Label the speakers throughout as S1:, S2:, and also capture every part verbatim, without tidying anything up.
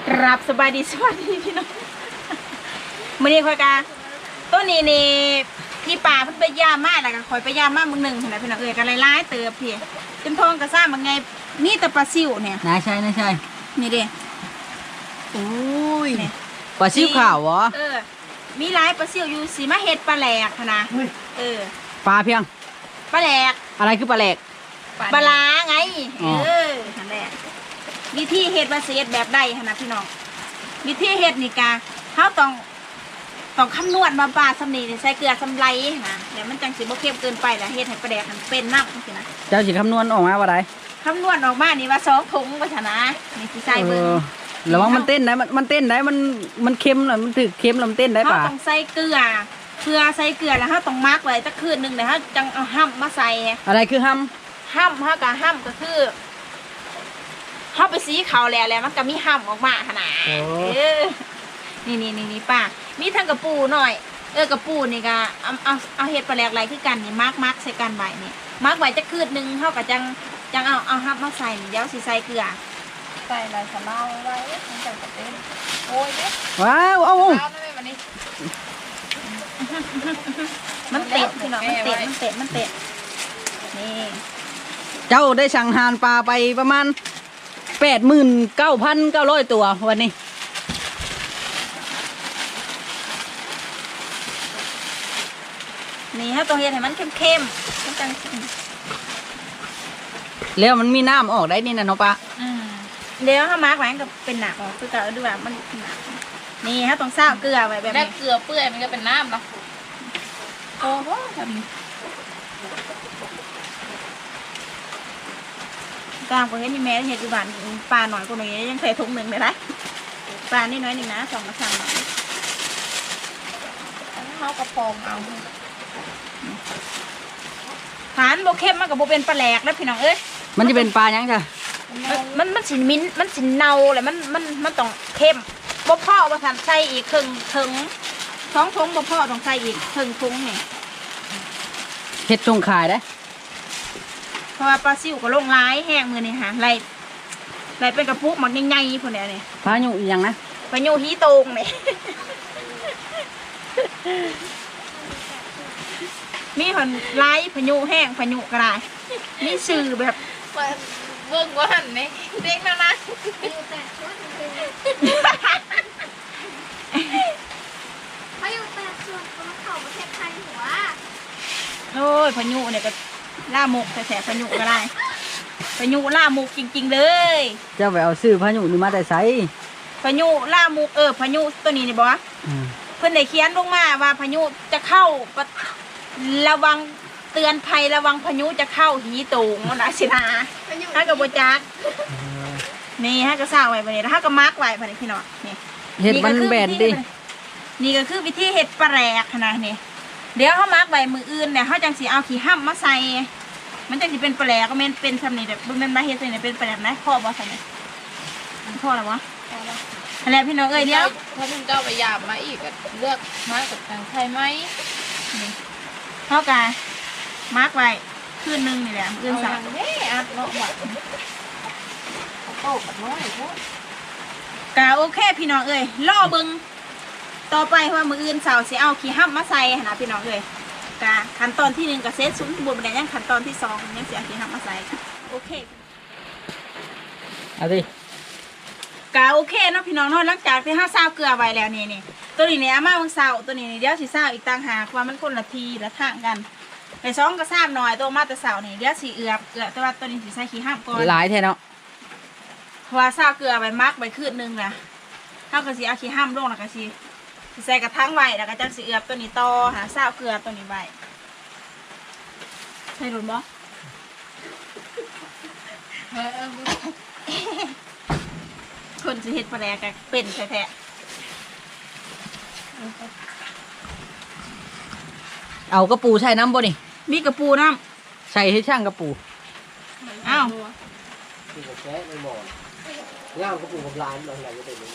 S1: กราบสบายดีสวัสดีพี่น้องมื่อนี้คอยกาต้นนี้นี่พี่ป่าเพิ่นไปย่ามมาแล้วก็คอยไปย่ามมาเมื่อหนึ่งนะพี่น้องเอ๋ยกันหลายๆเติบพี่จนทองกระซ่ามันไงนี่แต่ปลาซิวเนี่ย
S2: นายใช่นายใช่
S1: นี่เด้
S2: โอ้ยปลาซิวขาวเหรอ
S1: เออมีหลายปลาซิวอยู่สีมะเห็ดปลาแหลกนะเออ
S2: ปลาเพียง
S1: ปลาแหลก
S2: อะไรคือปลาแหลก
S1: ปลาล้าไงเออนั่นแหละวิธีเห็ดมาเสียดแบบใดขนาดพี่น้องวิธีเห็ดนี่กาเขาต้องต้องคำนวณมาปลาสำนีใส่เกลือสำไรนะเดี๋ยวมันจังสิบ่เค็มเกินไปแล้วเห็ดให้ปลาแดกมันเป็นน้ำสินะ
S2: เจ้าสิคำนวณออกมาว่าไร
S1: คำนวณออกมานี่ว่าสองถุงว่าชนะนี่สิใส่เบิ้ง
S2: ระวังมันเต้นได้มันมันเต้นได้มันมันเค็มหน่อยมันถือเค็มแล้วมันเต้นได้ป่ะ
S1: เขาต้องใส่เกลือเกลือใส่เกลือแล้วเขาต้องมักไว้สักคืนหนึ่งเดี๋ยวเขาจังเอาห้ำมาใส่
S2: อะไรคือห้
S1: ำห้ำเขากับห้ำก็คือเขาไปสีเขาแล้วแล้วมันก็มีห้ำออกมาขนาดนี่นี่นี่นี่ป้ามีทั้งกระปูหน่อยเออกระปูนี่ก็เอาเอาเอาเห็ดปลาแหลกอะไรคือกันนี่มักมักใส่กันใบนี่มักไว้จะคืนหนึ่งเขากับจังจังเอาเอาห้ำมาใส่เดี๋ยวสีใส่เกลือใส่อะไรสำเนาไว้มันจะกระเต้นโอ้ยเนี่ย
S2: ว้าวเอา
S1: มันเตะพี่น้องมันเตะมันเตะมันเตะนี่
S2: เจ้าได้สั่งหานปลาไปประมาณแปดหมื่นเก้าพันเก้าร้อยตัววันนี้
S1: นี่ฮะตัวเห็ดให้มันเข้มๆมันจัง
S2: แล้วมันมีน้ำออกได้นี่นะน้องปลา
S1: เดี๋ยวถ้ามาร์กไว้ก็เป็นหนักออกคือเก่าดูแบบมันหนักนี่ฮะต้องซาวเกลือไว้แบบนี้
S3: เกลือเปื่อยมันก็เป็นน้ำเนาะ
S1: โอ้โหแบบนี้กลางประเทศนี่แม่เห็ดอยู่บ้านปลาหน่อยกว่านี้ยังใส่ถุงหนึ่งเลยนะปลานี่น้อยหนึ่งนะสองกระชังหน่อย
S3: เขากระพองเอา
S1: ฐานโบเข้มมันกับโบเป็นปลาแหลกแล้วพี่น้องเอ้ย
S2: มันจะเป็นปลายังจ้ะ
S1: มันมันสิมิ้นมันสิเนาเลยมันมันมันต้องเข้มบ่พ่อบ่ทันใส่อีกครึ่งถึงท้องทุงบ่พ่อต้องใส่อีกครึ่งทุงนี่
S2: เห็ดทรงขายได้
S1: เพราะว่าปลาซิวก็ลงร้ายแห้งมือนี่ฮะไรไรเป็นกระปุกมันใหญ่ๆพวกเนี้ยนี่
S2: พายุอีกอย่างนะ
S1: พายุฮีโตงนี่มีคนไล่พายุแห้งพายุกระไรมีสื่อแบบ
S3: เบิ่งว่าหันไหมเด็กนะนะ
S4: เขาอยู่แปดส่วนเขาเขาประเทศไทยหัว
S1: โอ้ยพายุเนี่ยก็ล่ามุกแสบพายุก็ได้พายุล่ามุกจริงๆเลย
S2: เจ้าไปเอาซื้อพายุนี่มาแต่ไส
S1: พายุล่ามุกเออพายุตัวนี้นี่บอกว่าเพื่อนได้เขียนลงมาว่าพายุจะเข้าระวังเตือนภัยระวังพายุจะเข้าหีตูงนะสินะฮะกับโบจักนี่ฮะก็สร้างไว้แบบนี้แล้วฮะก็มาร์กไว้แบบนี้พี่น้องนี่
S2: เห็ดมันแบนดิ
S1: นี่ก็คือวิธีเห็ดปลาแหลกขนาดนี้เดี๋ยวเขามาร์กไว้มืออื่นเนี่ยเขาจังสีเอาขี้ห้ำมาใส่มันจังสีเป็นปลาแหลกก็เป็นเป็นทำนี่แบบเป็นมาเห็ดใส่เนี่ยเป็นปลาแหลกนะพ่อบอใส่เนี่ยมันพ่อแล้ววะอะไรพี่น้องเอ้ยเดี๋ยว
S3: ถ้าคุณเจ้าไปยามมาอีกเลือกมากับทางไทยไหม
S1: เท่ากันมาร์กไว้คืนนึงนี่แหละคืนสาม
S3: เฮ้ยอัดเนาะบัดโตกับน้อยพวก
S1: กะโอเคพี่น้องเอ้ยล่อบึงต่อไปว่ามืออื่นเสาร์สิเอาขี้ห้ำมาใส่นะพี่น้องเอ้ยกะขั้นตอนที่หนึ่งกับเซตซุ้มบวมแดงยังขั้นตอนที่สองยังเสียขี้ห้ำมาใส่โอเค
S2: เอาดิ
S1: กะโอเคเนาะพี่น้องเนาะหลังจากที่ห้าซาวเกลือไว้แล้วนี่นี่ตัวนี้เนี่ยอามาวังเสาร์ตัวนี้เดี๋ยวสิซาวอีกต่างหากว่ามันคนละทีละทางกันไอ้สองก็ทราบหน่อยตัวมาแต่เสาร์นี่เดี๋ยวสีเอือบเอือบแต่ว่าตัวนี้สีใส่ขี้ห้ามก่อน
S2: หลายแท้เนาะ
S1: เพราะว่าซาวเกลือไปมักไปคืนนึงนะเท่ากับสีเอาขี้ห้ามลงแล้วก็สีใส่กระทั่งไว้แล้วก็จังสีเอือบตัวนี้ต่อหาซาวเกลือตัวนี้ไว้ใช่หรือเปล่าคนจะเห็ดปลาแดกกันเป็นแท้
S2: เอากระปูใส่น้ำบ่นี่
S1: มีกระปูน้
S2: ำใส่ให้ช่างกระปู
S1: อ้าว
S5: ปูกับแกะในหม้อง่ามกระปูกับลานอะไรก็ได้เลย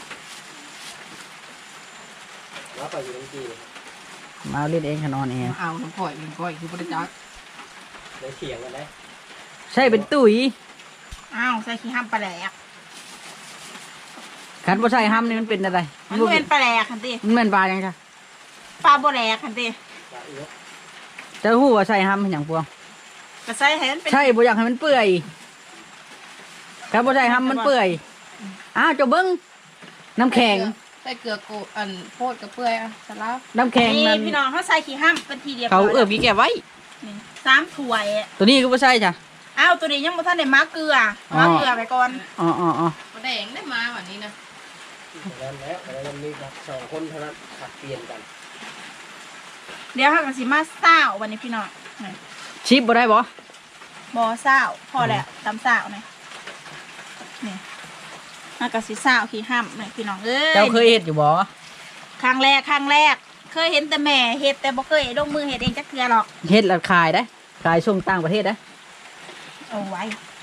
S5: แล้วไปอยู่ตรงจี
S2: มาเล่นเองขนอนเอง
S3: เอาน้ำก่อยน้ำก่อยคือพระจักร
S5: ในเถียงกันได้
S2: ใช่เป็นตุ๋ย
S1: อ้าวใส่ขี้ห้ามปลาแหลก
S2: คขันบ่ใช่ห้ำนี่มันเป็นอะไร
S1: มันบ่เป็นปลาแหลกคันติ
S2: มันเป็นปลายังไง
S1: ปลาบ่แหลกคันติ
S2: จะหู้ว่าใช่ห้ำอย่างพวง
S1: ก็ใส่ให้มันเป็น
S2: ใช่บ่อยากให้มันเปื่อยครับบ่ใช่ห้ำมันเปื่อยอ้าวเจ้าเบิ้งน้ำแข็ง
S3: ใส่เกลือโกอันโพดกับเปื่อยอ่ะสลับ
S2: น้ำแข็ง
S1: นี่
S2: นั้น
S1: พี่น้องเขาใส่ขี้ห้ำเป็นทีเดียว
S2: เขาเอื้อพี่แกไว้
S1: นี่สามถ้วย
S2: ตัวนี้ก็บ่ใช่จ้ะ
S1: อ้าวตัวนี้ยังบ่ทันได้มาเกลือมาเกลือไปก่อน
S2: อ๋ออ๋ออ๋อ
S3: แดงได้มาวันนี้นะ
S5: แล้วแล้วแล้วมีสองคนเท่านั้นผัดเปลี่ยนกัน
S1: เดี๋ยวเฮาก็สิมาเช้าวันนี้พี่น้องนี่
S2: ชิปบ่ได้บ่
S1: บ่เช้าพอแล้วตำเช้านี่นี่เฮาก็สิเช้าขี้ห้ำนี่พี่น้องเอ้ย
S2: เจ้าเคยเฮ็ดอยู่บ่
S1: ครั้งแรกครั้งแรก เคยเห็นแต่แม่เฮ็ดแต่บ่เคยลงมือเฮ็ดเองจักเทื่อหรอก
S2: เฮ็ดแล้วขายได้ขายส่งต่างประเทศได้
S1: เอาไว้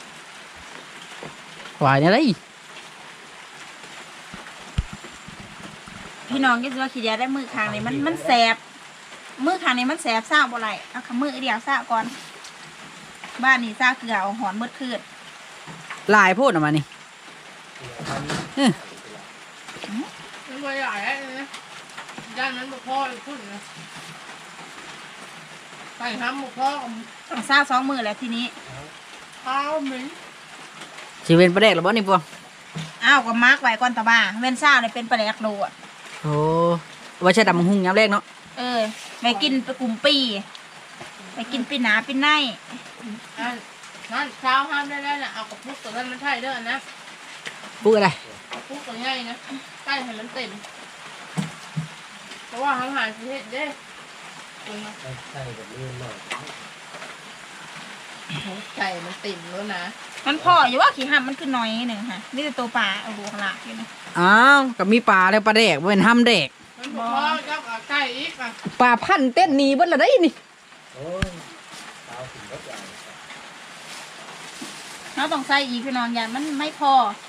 S2: หวายเนี่ยได้
S1: พี่น้องก็สิว่าขี้เดียวได้มือข้างนี้มันมันแสบมือข้างนี้มันแสบซ่าบ่ไหลเอาคำมือเดียวซ่าก่อน บ้านนี้ซ่าเกลือเอาหอนมืดคืน
S2: ลายโพดออกมานี่เอ้อ
S3: มันไม่ใหญ่เลยนะด้านนั้นบุพ่อพูดนะใส่ห้ำบุพ่อ
S1: ต้องซ่าสองมือแล้วทีนี้
S3: ข้าวเหม็น
S2: สิเป็นประเด็กหรือบ่นี่พวง
S1: อ้าวก็มาร์กไว้ก่อนตะบ้าเว้นซ่าเนี่ยเป็นปลาแหลกโลอ่ะ
S2: โอ้ว่าใช่ดำหุ่งยามแรกเนาะ
S1: เออไปกินไปกลุ่มปีไปกินปีหนาปีใน
S3: นั่นนั่นข้าวห้ามได้แล้วนะเอากระปุกตัวนั้นมันใช่เด้อนะ
S2: พูดอะไร
S3: กระปุกตัวใหญ่นะใกล้ให้มันเต็มเพราะว่าทำหารประเทศเด้
S5: ใส่แบบนี้หน่อย
S3: ไก่มันเต็มแล้วนะ
S1: มันพออยู่ว่าขี้ห้ำมันคือน้อยหนึ่งค่ะนี่แต่ตัวปลาเอาดูข้างหลังอยู่นะ
S2: อ้าวก็มีปลาแล้วปลาแดกบ่เป็นห้ำแดก
S3: มันบุพ่อกับไก่อีกอ่ะ
S2: ปลาพันธุ์เต้นหนีเบิดละได้นี่
S5: โอ้ยเท้าถึงรถใหญ่
S1: เราต้องใส่อีกพี่น้องอย่ามันไม่พอ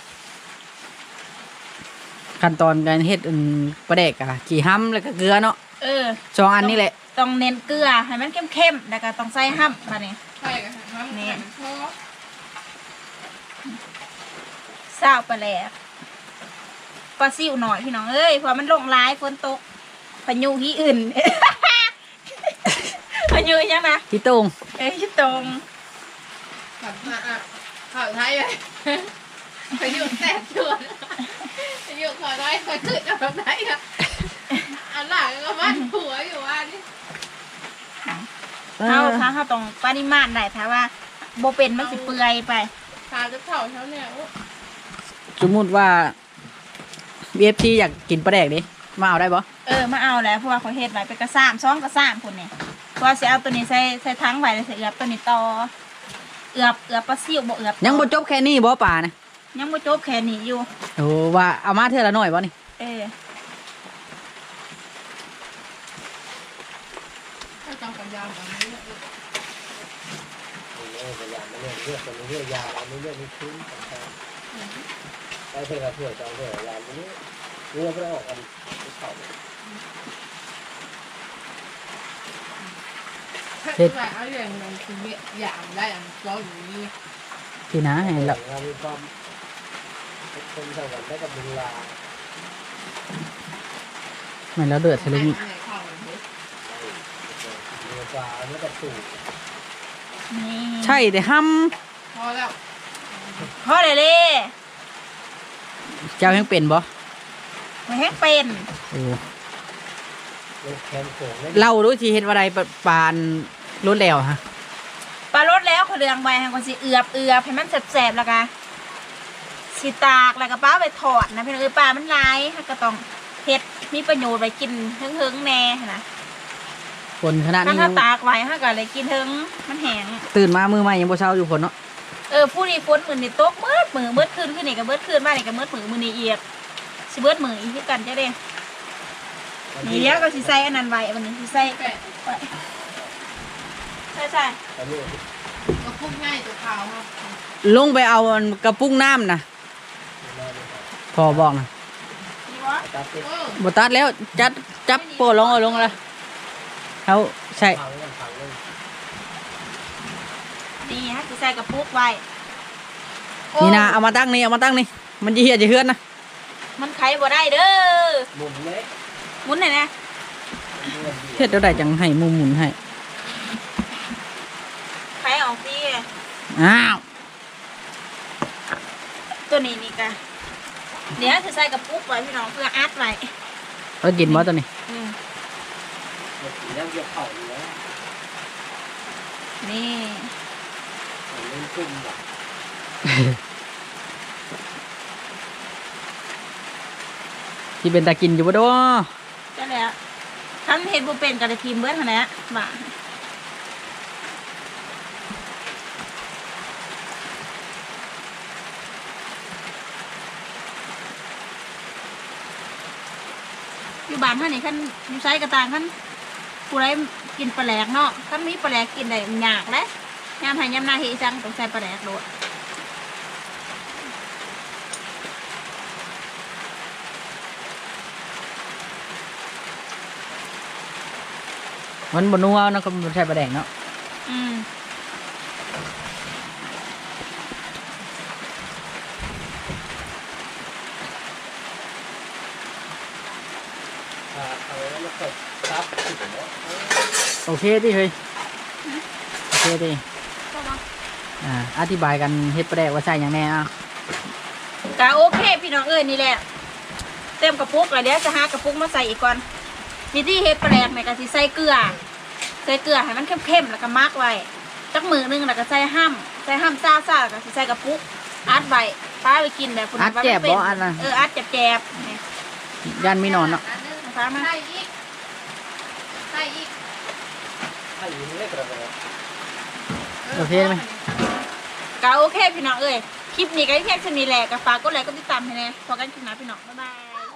S2: ขั้นตอนการเฮ็ดอันปลาแดกอะขี่ห้ำแล้วก็เกลือเนาะ
S1: เออ
S2: สองอันนี่แหละ
S1: ต้องเน้นเกลือให้มันเข้มๆแล้วก็ต้องใส่ห้ำมาเนี่ย
S3: ไก่กับห้ำไก่มันพ่อ
S1: เศร้าไปแล้วปลาซิวหน่อยพี่น้องเอ้ยเพราะมันลงร้ายฝนตกพายุที่อื่น พายุยังนะ
S2: ที่ตรง
S1: เอ้ยตรง
S3: ขับมาอ่ะข่าวไทยเลยไปอยู่แซ่บชวนไปอยู่ข่าวไทยข่าวขึ้นข่าวไทยอ่ะอันหลังก็บ้านผัวอยู่ว่านี่
S1: เขาถ้าเขาต้องปริมาณได้ถ้าว่าโบเป็นมันสิเปื่อยไป
S3: ตาจะเข่าเท่าเนี่ย
S2: สมมุติว่า บี เอฟ ซี อยากกินปลาแดกดิมาเอาได้บ่
S1: เออมาเอาแล้วเพราะว่าเขาเฮ็ดไว้เป็นกระซ้ำซ้องกระซ้ำคนเนี่ยเพราะว่าสิเอาตัวนี้ใส่ใส่ทั้งไว้แล้วใส่เอือบตัวนี้ต่อเอือบเอือบปลาซิวบ่เอือบต่อ
S2: ยังบ่จบแค่นี้บ่ปลานะ
S1: ยังบ่จบแค่นี้อยู่
S2: โอ้ว่าเอามาเท่าละหน่อยบ่นี่
S1: เออ
S3: ถ้าจำกันยาวแบบนี้
S5: เออพยายามไม่เลือกเลือกเป็นเลือกยาไม่เลือกไม่คุ้มต่างๆไปเถอะเถอะจองเถอะยาไม่เลือกเลือกไม่ได้ออกกันเขา
S3: เฮ็ดเอาอย่างนั้นคืออย่างได้อันร้อยอยู่นี่
S2: ที่นะให้ละ
S5: เรามีความคนเท่ากันได้กับเวลา
S2: แม่นแล้วเดือดใส่ลูกนี่
S5: เรือปลาแล้วก็สูบ
S1: นี่
S2: ใช่แต่ห้
S3: พอแล้ว
S1: พอเลยเลย
S2: ำเจ้ายังเป็นบ่
S1: ไม่ให้เป็น
S2: โอ้
S5: เรือแคมโขงได้
S2: เล่าดูสิเฮ็ดว่าใดปลาปานรถแล้วฮะ
S1: ปลารสแล้วเขาเรืองไว้ให้คนสิเอือบเอือบให้มันแสบๆแล้วก็สิตากแล้วก็ป้าไปถอดนะพี่น้องเอ้ยปลามันลายก็ต้องเฮ็ดมีประโยชน์ไปกินเฮิงๆแน่นะ
S2: คนขนาด
S1: ถ้า
S2: นี้
S1: ถ้าตากไว้ฮะก็เลยกินเฮิงมันแห้ง
S2: ตื่นมามือใหม่ยังบ่เช้าอยู่คนเนาะ
S1: เออผู้นี้ฝนมือนี่ตกเบิดมือเบิดคืนขึ้นนี่ก็เบิดคืนมานี่ก็เบิดมือมือนี่เอียดสิเบิดมืออีกคือกันจ้ะเด้นี่เดี๋ยวก็สิใส่อันนั้นไว้วันนี้สิใส่
S3: แปะ
S1: ไว้ใช่ใช่
S5: ตอนนี้
S3: ก็พุ่งง่ายตัวขาวครับ
S2: ลงไปเอาอันกระปุ้งน้ำนะพอบอกนะ
S1: ดีวะ
S5: ตัดติด
S3: เออ
S2: บ่ตัดแล้วจัดจับโปะลงเอาลงละเขาใช่
S5: พังกันพังเลย
S1: นี่ฮะสิใส่กระปุกไว้
S2: นี่นะเอามาตั้งนี่เอามาตั้งนี่มันจะเหี่ยจะเฮือนนะ
S1: มันไขบ่ได้เด้อ
S5: หมุนเลย
S1: หมุนหน่อยนะ
S2: เฮ็ดเท่าใดจังให้หมุมหมุนให้
S1: ไขออกพี่
S2: อ้าว
S1: ตัวนี้นี่กะเดี๋ยวจะใส่กระปุกไว้พี่น้องเพื่ออัดไว้
S2: เอากินบ่ตัวนี้
S1: อืม
S5: แล้วเกี่ยวเข่าอยู่แล้ว
S1: นี่
S5: เล่นกุ้มแบบ
S2: ที่เป็นตากินอยู่บ่ดอ
S1: ก็แล้วท่านเห็ดบุเป็นกับทีมเบิร์ดขนาดนี้บ่าอยู่บ้านท่านนี่ขั้นอยู่ใช้กระตางขั้นผู้ไรกินปลาแหลกเนาะขั้นมีปลาแหลกกินได้ยากแล้วยามให้ยามนาเฮจังต้องใส่ปลาแหลกโดด
S2: มันบ่นัวเนาะก็บ่ใช่ปลาแดงเนาะ
S1: อืม
S5: เอาแล้วมาเกิดซับถึงแล้ว
S2: โอเคติเฮ้ยโอเคติ
S1: ก็มา
S2: อ่าอธิบายกันเฮ็ดปลาแดกว่าใส่หยังแน่อ่ะ
S1: กะโอเคพี่น้องเอ้ยนี่แหละเต็มกระปุกแล้วเดี๋ยวจะหากระปุกมาใส่อีกก่อนวิธีเฮ็ดปลาแหลกเนี่ยก็สิใส่เกลือใส่เกลือให้มันเข้มๆแล้วก็มักไว้จักมือนึงแล้วก็ใส่ห้ำใส่ห้ำซ่าซ่าแล้วก็สิใส่กระปุกอัดไว้ป้าไปกินแบบคุณ
S2: อัดแจ็บบ่อันน่ะ
S1: เอออัดแจบๆนี่
S2: ย่านมีนอนเนาะ
S1: ฟ้ามา
S3: ใส่อีกใส่อีก
S5: ถ้าอยู่นี่ได้กระโดด
S2: โอเคไหม
S1: กะโอเคพี่น้องเอ้ยคลิปนี้ก็เพียงเท่านี้แหละก็ฝากกดไลค์กดติดตามให้แน่พอกันคลิปหน้าพี่น้องบ๊ายบาย